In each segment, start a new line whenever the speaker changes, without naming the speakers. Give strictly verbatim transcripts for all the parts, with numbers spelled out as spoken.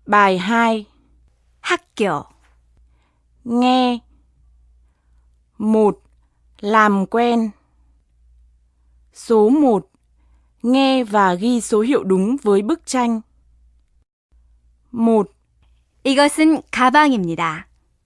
Bài hai.
학교,
Nghe. một. Làm quen. Số một. Nghe và ghi số hiệu đúng với bức tranh. một.
이것은 가방입니다.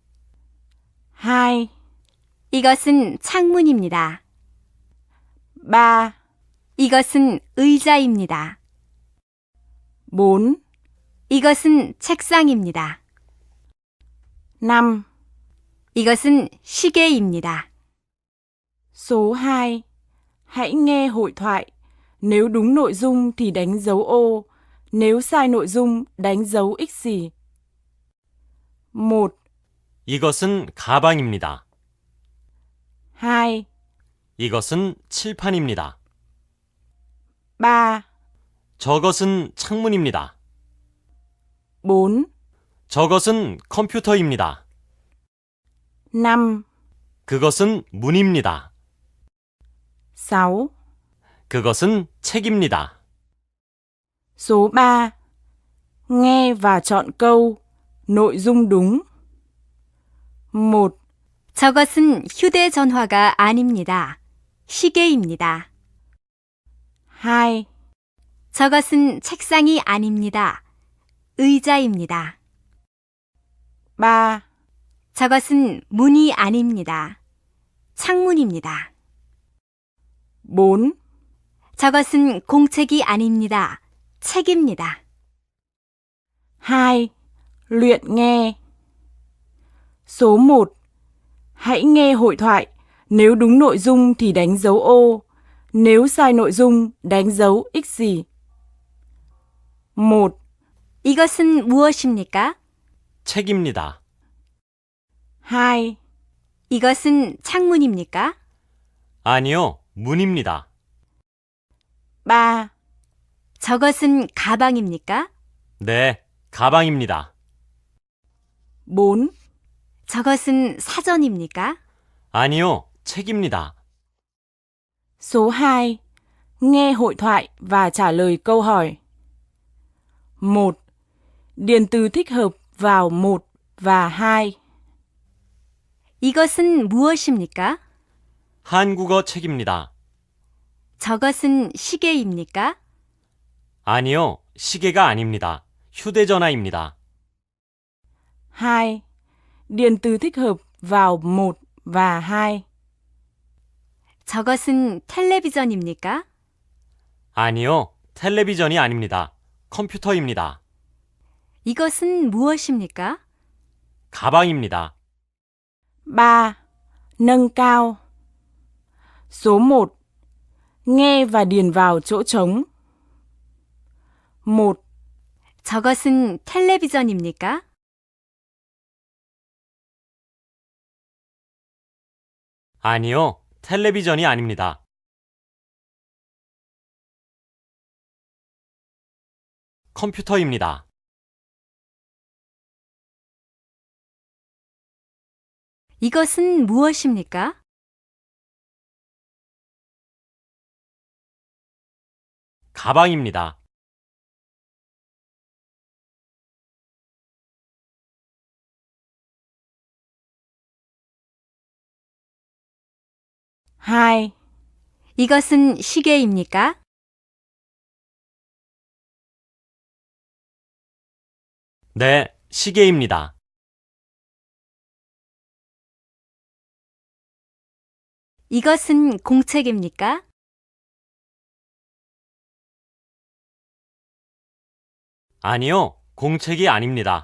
hai.
이것은 창문입니다.
ba.
이것은 의자입니다.
bốn.
이것은 책상입니다.
năm.
이것은 시계입니다.
Số hai. Hãy nghe hội thoại. Nếu đúng nội dung thì đánh dấu ô. Nếu sai nội dung, đánh dấu x gì. một.
이것은 가방입니다.
hai.
이것은 칠판입니다.
ba.
저것은 창문입니다.
bốn.
저것은 컴퓨터입니다.
năm.
그것은 문입니다.
sáu.
그것은 책입니다.
Số ba. Nghe và chọn câu. Nội dung đúng. một.
저것은 휴대전화가 아닙니다. 시계입니다.
hai.
저것은 책상이 아닙니다. 의자입니다.
ba.
저것은 문이 아닙니다. 창문입니다.
bốn.
저것은 공책이 아닙니다. 책입니다.
hai. Luyện nghe. Số một. Hãy nghe hội thoại. Nếu đúng nội dung thì đánh dấu ô. Nếu sai nội dung, đánh dấu x gì. một.
이것은 무엇입니까?
책입니다.
hai.
이것은 창문입니까?
아니요, 문입니다.
ba.
저것은 가방입니까?
네, 가방입니다.
bốn.
저것은 사전입니까?
아니요, 책입니다.
Số hai. Nghe hội thoại và trả lời câu hỏi. một. Điền từ thích hợp vào một và hai.
이것은 무엇입니까?
한국어 책입니다.
저것은 시계입니까?
아니요, 시계가 아닙니다. 휴대전화입니다.
hai. Điền từ thích hợp vào một và hai.
저것은 텔레비전입니까?
아니요, 텔레비전이 아닙니다. 컴퓨터입니다.
이것은 무엇입니까?
가방입니다.
ba. Nâng cao. Số một. Nghe và điền vào chỗ trống. một.
저것은 텔레비전입니까?
아니요, 텔레비전이 아닙니다. 컴퓨터입니다.
이것은 무엇입니까?
가방입니다.
hai.
이것은 시계입니까?
네, 시계입니다.
이것은 공책입니까?
아니요, 공책이 아닙니다.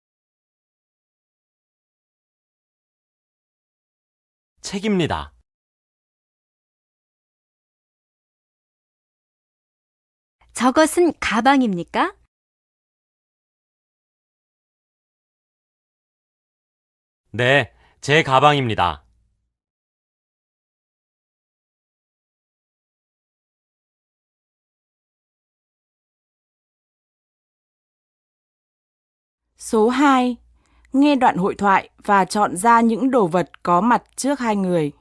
책입니다.
저것은 가방입니까?
네, 제 가방입니다.
Số hai. Nghe đoạn hội thoại và chọn ra những đồ vật có mặt trước hai người.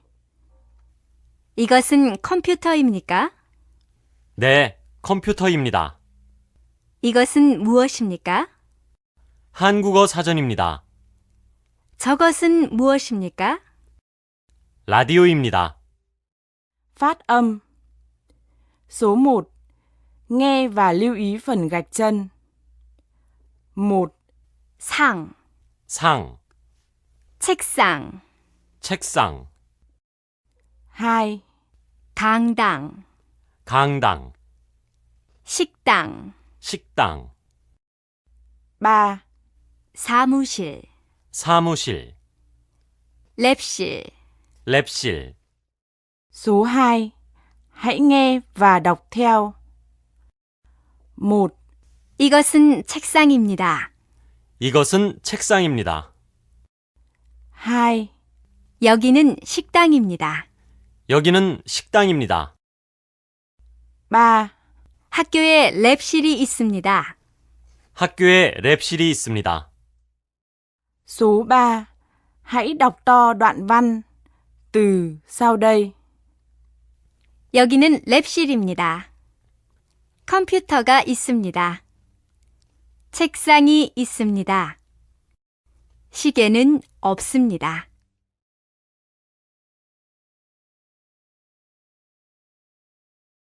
이것은 컴퓨터입니까?
네, 컴퓨터입니다.
이것은 무엇입니까?
한국어 사전입니다.
저것은 무엇입니까?
라디오입니다.
Phát âm. Số một. Nghe và lưu ý phần gạch chân. một.
상,
상,
책상,
책상,
hai.
강당,
강당,
식당,
식당,
ba.
사무실,
사무실,
랩실,
랩실.
Số hai. Hãy nghe và đọc theo. một.
이것은 책상입니다.
이것은 책상입니다.
hai.
여기는 식당입니다.
여기는 식당입니다.
ba.
학교에 랩실이 있습니다.
학교에 랩실이 있습니다.
Số ba. Hãy đọc to đoạn văn từ sau đây.
여기는 랩실입니다. 컴퓨터가 있습니다. 책상이 있습니다. 시계는 없습니다.